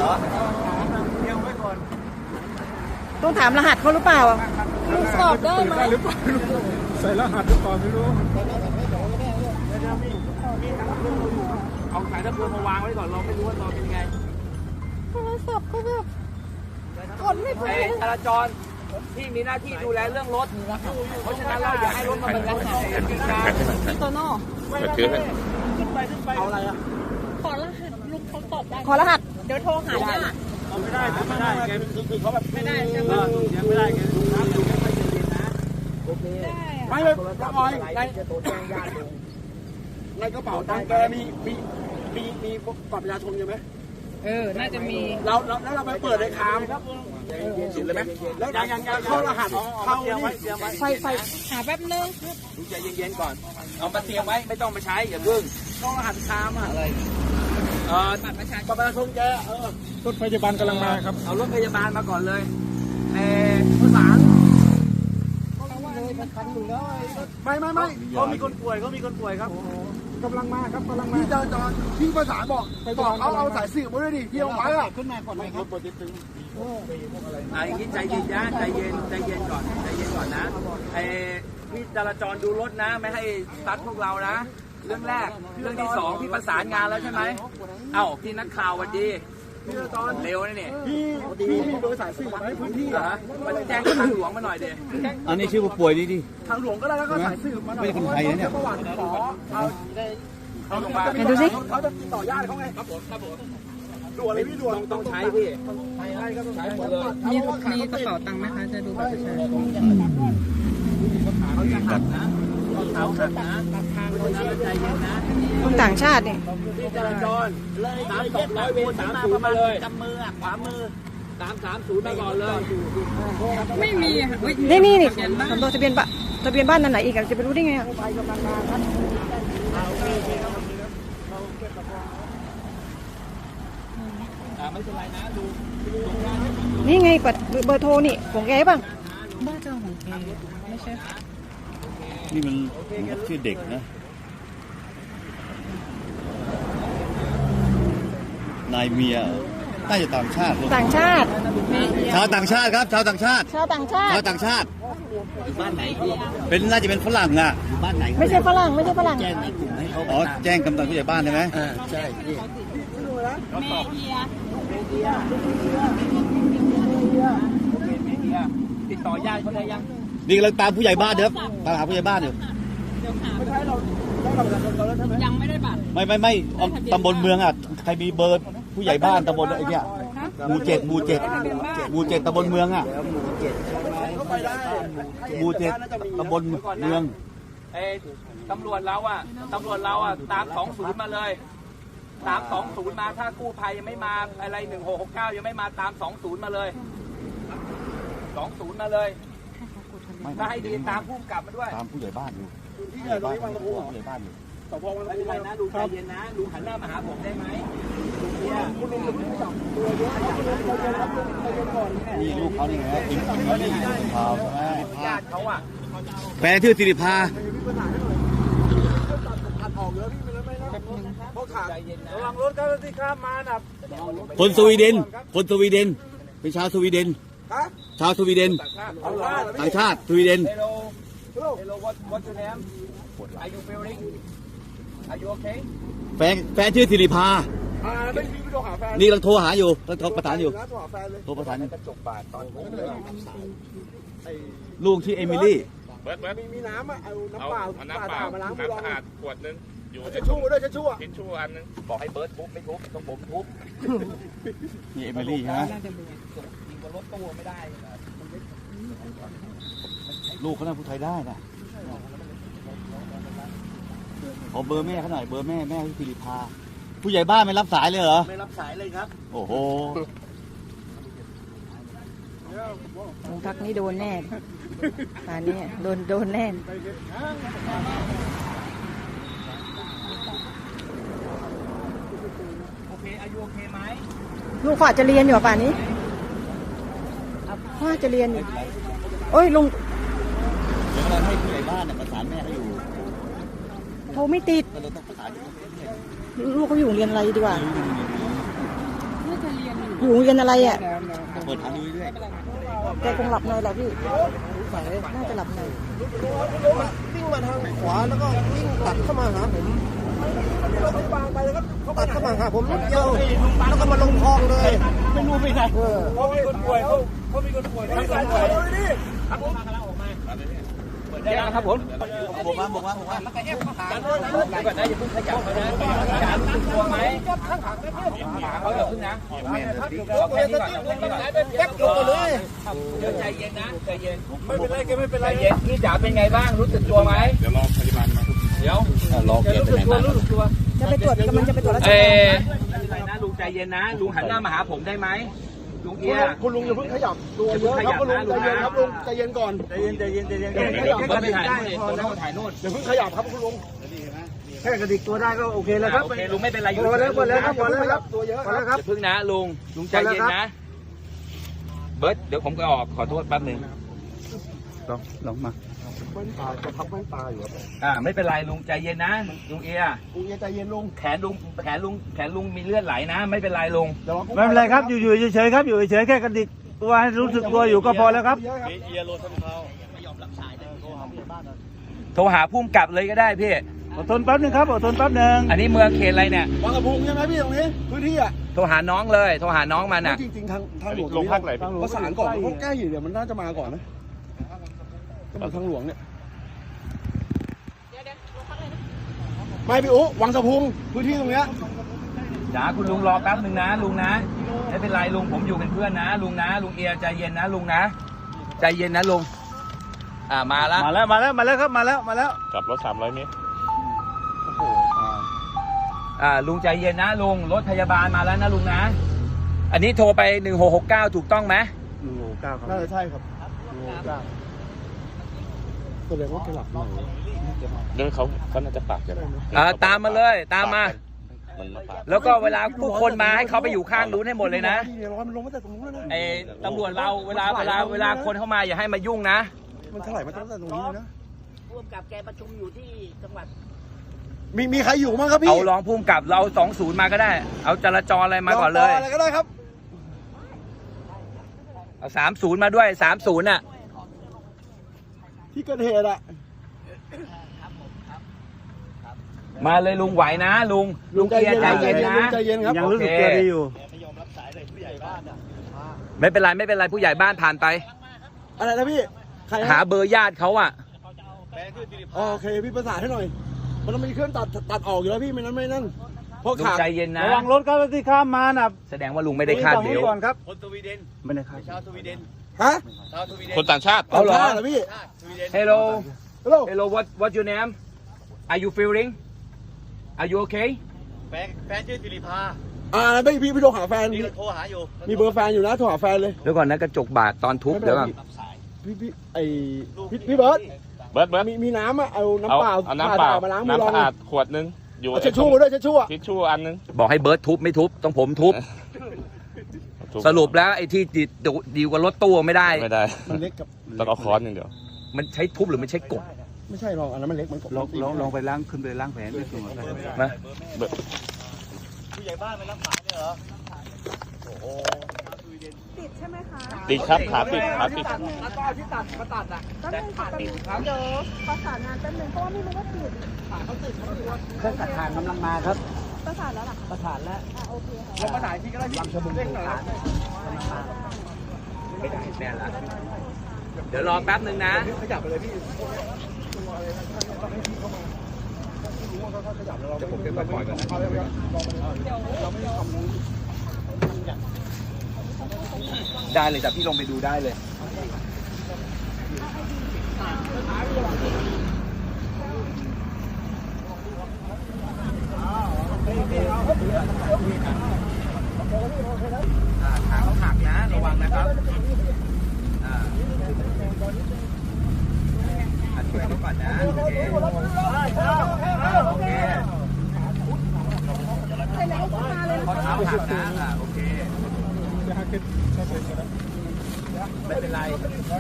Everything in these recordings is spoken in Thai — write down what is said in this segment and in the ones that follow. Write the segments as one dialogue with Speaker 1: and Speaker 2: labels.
Speaker 1: อเดี๋ยวไว้ก่อน
Speaker 2: ต้องถามรหัสเขาหรือเปล่าสอบได้ไหม
Speaker 1: หรือเปล่าใส่รหัสหรือเปล่าไม่รู้เอาสายตะปูมาวางไว้ก่อนเราไม่รู้ว่าเราเป็นไง
Speaker 2: โทรศัพท์ก็แบบกดไม่เป็น
Speaker 1: จราจรที่มีหน้าที่ดูแลเรื่องรถเพราะฉะนั้นเราอย่าให้รถมาเป็นการ
Speaker 2: พี่โตโน่
Speaker 1: ขึ้นไปเอาอะไรอ่ะ
Speaker 2: ขอรหัสลูกเขาตอบได้ขอรหัสเดี๋ยวโทรหาญาติ
Speaker 1: ไม่ได้แกคือเขาแบบไม่ได้ใช่ไหมยังไม่ได้แกดูน้ำดูไม่ค่อยเย็นนะโอเคไม่เลยน้องออยในกระเป๋าตังค์แกมีบัตรประชาชนใช่ไหม
Speaker 3: น่าจะมี
Speaker 1: เราไปเปิดในคามสิเลยไหมแล้วยังเข้ารหัสเข้า
Speaker 2: ไฟหาแป๊บนึง
Speaker 1: ดูใจเย็นๆก่อนเอามาเตรียมไว้ไม่ต้องมาใช้อย่าเพิ่งเข้ารหัสคามอะไรบัตรประชาชนแกรถพยาบาลกำลังมาครับเอารถพยาบาลมาก่อนเลยประสานไม่เขามีคนป่วยครับกำลังมาครับพี่จราจรพี่ประสานบอกเอาสายสื่อมาด้วยดิที่เอาไว้อะขึ้นมาก่อนเลยครับอย่างนี้ใจเย็นนะใจเย็นก่อนนะพี่จราจรดูรถนะไม่ให้ตัดพวกเรานะเรื่องแรกเรื่องที่สองพี่ประสานงานแล้วใช่ไหมพี่นักข่าววันดีพี่จราจรเร็วนะเนี่ยพี่มีเบอร์สายสื่อมาให้พื้นที่เหรอมาแจ้งทางหลวงมาหน่อยเดี๋ยว
Speaker 4: อันนี้ชื่อผู้ป่วยนี่ดิ
Speaker 1: ทางหลวงก็ได้แล้วก็สายสื่อมาหน่อย
Speaker 4: ไม่ใช่คนไทยนะเนี่ย
Speaker 2: ดูสิ
Speaker 1: เขาจะติดต่อญาติเขาไงครับผมด่วนเลยพี่ด่วนต้องใช้พี่ใช้ก็ต้องใช้หมดเลย
Speaker 3: มีกระเป๋าตังค์ไหมคะจะดูบัตรประชาชน
Speaker 1: เขาจะขัดนะเขาขัดนะใจเย็นนะ
Speaker 2: คนต่างชาตินี่
Speaker 1: ที่จราจรเลย300 เวร30มาเลยกำมือขวามือ330มาก่อนเลย
Speaker 3: ไม่มีค่ะ
Speaker 2: นี่สำรวจทะเบียนบ้านนั่นไหนอีกจะไปรู้ได้ไงอ่ะ
Speaker 1: ไม่เป็นไรนะดู
Speaker 2: นี่ไงเบอร์โทรนี่ของแกบ้าง
Speaker 3: บ้าเจ้าของแกไม่ใช่
Speaker 4: นี่มันชื่อเด็กนะนายเมียน่าจะต่างชาติชาวต่างชาติครับชาวต่างชาติ
Speaker 1: อยู่บ้านไหน
Speaker 4: เป็นน่าจะเป็นฝรั่งอ่ะ
Speaker 1: อยู่บ้านไหน
Speaker 2: ไม่ใช่ฝรั่ง
Speaker 1: แจ้งในกลุ่มให้เขา
Speaker 4: แจ้งกำนันผู้ใหญ่บ้านใช่ไหม
Speaker 1: ใช่ติดต่อญาติเขาได้ยัง
Speaker 4: นี่กำลังตามผู้ใหญ่บ้านเด้อตามหาผู้ใหญ่บ้านอยู่
Speaker 1: ไม่ใช่เราแล้วใช่ไหม
Speaker 3: ยังไม่ได้บัตร
Speaker 4: ไม่ตำบลเมืองอ่ะใครมีเบอร์ผู้ใหญ่บ้านตำบลไอ้เนี่ยหมู่7ตำบลเมืองอ่ะหมู่7ตำบลเมือง
Speaker 1: ตำรวจเราอ่ะตาม20มาเลยตาม20มาถ้ากู้ภัยยังไม่มาอะไร1669ยังไม่มาตาม20มาเลย20มาเลยถ้าให้ดีตามผู้กำกับมาด้วย
Speaker 4: ตามผู้ใหญ่บ้านอยู่
Speaker 1: ที่ไหนร้อยวังตะพูผู้ใหญ่บ้านอยู่สพวังตะพูนะดูใจเย็นนะดูหันหน้ามาหาผมได้ไหมคุณลุงจะไม่จับตัวเยอะ
Speaker 4: นี่ลูกเขานี่ไงอิมลี่พาวใช่ไหม
Speaker 1: ญาติเขาอ่ะ
Speaker 4: แฟนชื่อสิริภา
Speaker 1: ระวังรถที่ข้ามมาน่ะ
Speaker 4: คนสวีเดนเป็นชาวสวีเดนต่างชาติสวีเดน
Speaker 1: Hello, what's your name? Are you feeling? Are you okay?
Speaker 4: แฟนชื่อสิริภา
Speaker 1: ไม่มีโทรหาแฟน
Speaker 4: นี่กำลังโทรหาอยู่โทรประสานอยู่โทรประสาน
Speaker 1: กระจกบาดตอน
Speaker 4: ลูกชื่อเอมิลี่
Speaker 1: เบิร์ดมีน้ำอ่ะเอาน้ำเปล่ามาล้างมือ
Speaker 5: สะอาดขวดนึงอยู่
Speaker 1: ทิชชู่ด้วยทิชชู่
Speaker 5: อันนึง
Speaker 1: บอกให้เบิร์ดทุบไม่ทุบต้องผมทุบ
Speaker 4: นี่เอมิลี่ใช่ไหม
Speaker 1: รถตู้ไม่ได้
Speaker 4: ลูกเขาน่าพูดไทยได้นะขอเบอร์แม่เขาหน่อยเบอร์แม่ที่สิริภาผู้ใหญ่บ้านไม่รับสายเลยเหรอ
Speaker 1: ไม่รับสายเลยครับ
Speaker 4: โอ้โห
Speaker 2: ลุงทักนี่โดนแน่ป่านนี้โดนแน่
Speaker 1: โอเคอายุโอเคไหม
Speaker 2: ลูกเขาอาจจะเรียนอยู่ป่านนี้เขาอาจจะเรียนอยู่โอ้ยลุง
Speaker 4: เดี๋ยวเราให้ผู้ใหญ่บ้านประสานแม่เขาอยู่
Speaker 2: โทรไม่ติดลูกเขาอยู่เรียนอะไรดีกว่า
Speaker 3: น่าจะเรียนอยู่
Speaker 2: อยู่โรงเรียนอะไรอ่ะ
Speaker 4: เปิดทางดูเรื่อย
Speaker 2: แกคงหลับในแหละพี่น่าจะหลับใน
Speaker 6: วิ่งมาทางขวาแล้วก็วิ่งตัดเข้ามาหาผมบางไปแล้วก็ตัดเข้ามาหาผมนิดเดียวแล้วก็มาลงคลองเลยไม่รู้ไปไหนเขามีคนป่วยเขามีคนป่วยไม่ใส่ตัวเลยดิ
Speaker 1: แยกนะครับผม
Speaker 4: บอกว่า
Speaker 1: ก่อนนะอย่าเพิ่งขยับเขานะขยับกลัวไหมเขาอย่าเพิ่งนะเอาแค่นี้ก่อนเอาแค่นี้ก่อน
Speaker 6: แป๊บลงมาเลย
Speaker 1: เดี๋ยวใจเย็นนะใจเย็น
Speaker 6: ไม่เป็นไรแกไม่เป็นไร
Speaker 1: ใจเย็นพี่จ๋าเป็นไงบ้างรู้สึกตัวไหม
Speaker 5: เดี๋ยวรอพยาบาลมา
Speaker 1: เดี๋ยว
Speaker 4: รอเกียร์ไปไหนมา
Speaker 2: จะไปตรวจกำลังจะไปตรวจราช
Speaker 1: เอ
Speaker 2: การ
Speaker 1: ไม่เป็นไรนะลุงใจเย็นนะลุงหันหน้ามาหาผมได้ไหมลุงเอีย
Speaker 6: คุณลุงอย่าเพิ่งขยับตัวเยอะครับคุณลุงใจเย็นครับลุงใจเย็นก่อนใจเย็น
Speaker 1: เดี๋ยวเบิร์ดไปถ่ายนู่นตรงนั้นถ่ายนู่น
Speaker 6: อย่าเพิ่งขยับครับคุณลุงแค่กระดิกตัวได้ก็โอเคแล้วครับ
Speaker 1: โอเคลุงไม่เป็นไรอยู่
Speaker 6: พอแล้วครับตัวเยอะครับ
Speaker 1: อย่าพึ่งนะลุงใจเย็นนะเบิร์ดเดี๋ยวผมก็ออกขอโทษแป๊บนึง
Speaker 4: ลองมา
Speaker 6: แว่นตาจะพับแว่นตาอยู่ครับ
Speaker 1: ไม่เป็นไรลุงใจเย็นนะลุงเอีย
Speaker 6: ลุงใจเย็นลุง
Speaker 1: แขนลุงมีเลือดไหลนะ ไม่เป็นไรลุง
Speaker 7: ไม่เป็นไรครับอยู่เฉยๆครับอยู่เฉยๆแค่กระดิกตัวให้รู้สึกตัวอยู่ก็พอแล้วครับ
Speaker 1: โทรหาพุ่มกลับเลยก็ได้พี่
Speaker 7: อดทนแป๊บนึงครับอดทนแป๊บนึง
Speaker 1: อันนี้เมืองเขตอะไรเนี่ย
Speaker 6: บางกระพุงใช่ไหมพี่ตรงนี้พื้นที่อ่ะ
Speaker 1: โทรหาน้องเลยโทรหาน้องมันอ่ะ
Speaker 6: จริงๆทางหลวงประสานก่อนเพราะใกล้อยู่เดี๋ยวมันน่าจะมาก่อนนะก็มาทางหลวงเนี่ยไม่พี่อุ๊วังสะพุงพื้นที่ตรงเนี้ย
Speaker 1: จ๋าคุณลุงรอแป๊บนึงนะลุงนะไม่เป็นไรลุงผมอยู่เป็นเพื่อนนะลุงนะลุงเอียใจเย็นนะลุงนะใจเย็นนะลุงมาแล้ว
Speaker 7: มาแล้วครับมาแล้ว
Speaker 5: กลับรถ300 เมตร
Speaker 1: ลุงใจเย็นนะลุงรถพยาบาลมาแล้วนะลุงนะอันนี้โทรไป1669ถูกต้องไหม
Speaker 7: 169ครับ
Speaker 6: น่าจะใช่ครับแสดงว่าแกหลับใน
Speaker 5: เดี๋ยวเขาน่าจะปากกัน
Speaker 1: ตามมาเลยตามมา
Speaker 5: มันมาปาก
Speaker 1: แล้วก็เวลาผู้คนมาให้เขาไปอยู่ข้างนู้นให้หมดเลยนะ
Speaker 6: ร้อนมันลงมาจากตรงนู้นแล้วนะ
Speaker 1: ไอ้ตำรวจเราเวลาคนเข้ามาอย่าให้มายุ่งนะ
Speaker 6: มันเท่าไหร่มาตั้งแต่ตรงนี้นะ
Speaker 2: ร่วมกับแกประชุมอยู่ที่จังหวัด
Speaker 6: มีใครอยู่มั้งครับพี่
Speaker 1: เอารองภูมิกับเรา20มาก็ได้ เอาจราจรอะไรมาก่อนเลย
Speaker 6: อะไรก็ได้ครับ
Speaker 1: เอา30มาด้วย30น่ะ
Speaker 6: ที่เกิดเหตุอะ
Speaker 1: มาเลยลุงไหวนะลุงเกียร์ใจเย็นนะ
Speaker 6: ใจเย็นครับ
Speaker 7: ยังรู้สึกตัวดีอยู่
Speaker 1: ไม่เป็นไรผู้ใหญ่บ้านผ่านไป
Speaker 6: อะไรนะพี่ใคร
Speaker 1: หาเบอร์ญาติเขาอ่ะ
Speaker 6: โอเคพี่ประสานให้หน่อยมันต้องมีเครื่องตัดออกอยู่แล้วพี่ไม่นั่นเพราะ
Speaker 1: ลุง
Speaker 6: ขาด
Speaker 1: ใจเย็นนะ
Speaker 7: ระวังรถครับที่ข้ามมาน่ะ
Speaker 1: แสดงว่าลุงไม่ได้คาดเดว
Speaker 7: ก่อนครับไม่ได้คาด
Speaker 6: ฮะ
Speaker 5: คนต่างชาติ
Speaker 1: เอาเหรอ
Speaker 6: เหรอพี่
Speaker 1: Hello
Speaker 6: ฮัลโหล
Speaker 1: Hello what your name Are you feeling Are you okay
Speaker 8: แฟนชื่อสิริภา
Speaker 6: พี่โทรหาแฟน
Speaker 8: นี่โทรหาอยู่
Speaker 6: มีเบอร์แฟนอยู่นะโทรหาแฟนเลย
Speaker 1: เดี๋ยวก่อนนะกระจกบาดตอนทุบเดี๋ยวก่อน
Speaker 6: พี่เบิร์ด
Speaker 5: เบิร์ด
Speaker 6: มีน้ำอะเอาน้ำเปล่า
Speaker 5: เอาน้ำเปล่า
Speaker 6: มาล้างมือ
Speaker 5: น้ำ
Speaker 6: ลอ
Speaker 5: สะ
Speaker 6: ง
Speaker 5: อาดขวดนึงอยู่
Speaker 6: เอาเช็ดชู่มาด้วยเช็ดชู่อะ
Speaker 5: ทิชชู่อันนึง
Speaker 1: บอกให้เบิร์ดทุบไม่ทุบต้องผมทุบ สรุปแล้วไอ้ที่ดีกว่ารถตู้ไม่ได้
Speaker 5: ไม่ได้
Speaker 6: มันเล็กกับ
Speaker 5: ต้องเอาค้อนอย่างเดียว
Speaker 1: มันใช้ทุบหรือมันใช้กด
Speaker 6: ไม่ใช่หรอกอันนั้นมันเล็กมันกบ
Speaker 7: ลองไปล้างขึ้นไปล้างแผลด้วยตัวกัน
Speaker 1: นะ
Speaker 8: ผู้ใหญ่บ้านไม่รับสายเลยเหรอ
Speaker 5: ติดครับขาติด
Speaker 6: แล้วก็ที่ตัดมาตัดอะ
Speaker 2: เดี๋ยวประสานงานแป๊บนึงเพราะว่าไม่รู้ว่าติด
Speaker 7: เครื่องตัดทางกำลังมาครับ
Speaker 2: ประสานแล้วหรอ
Speaker 7: ประสานแล้ว
Speaker 2: โอเคค่ะ
Speaker 6: แล้วมาไหนที่ก็ได้ที่เร่งหน่อย
Speaker 1: ไม่ได้แน่ละเดี๋ยวรอแป๊บนึงนะ
Speaker 6: ขยับไปเลยพี่
Speaker 1: เดี๋ยวผมจะปล่อยก่อนนะได้เลยแต่พี่ลงไปดูได้เลยขาเขาหักนะระวังนะครับช่วยเขาก่อนนะโอเคโอเคข้อเท้าหักนะโอเคไม่เป็นไร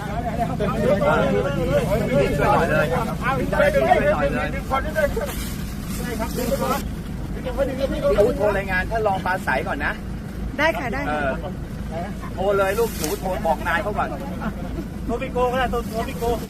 Speaker 1: ช่วยหน่อยเลยช่วยหน่อยเลยพี่อู๋โทรรายงานท่านรองปราศัยก่อนนะ
Speaker 2: ได้ค่ะได้
Speaker 1: โทรเลยลูกหนูโทรบอกนายเขาก่อน
Speaker 8: โทรพี่โกก็ได้โทรพี่โก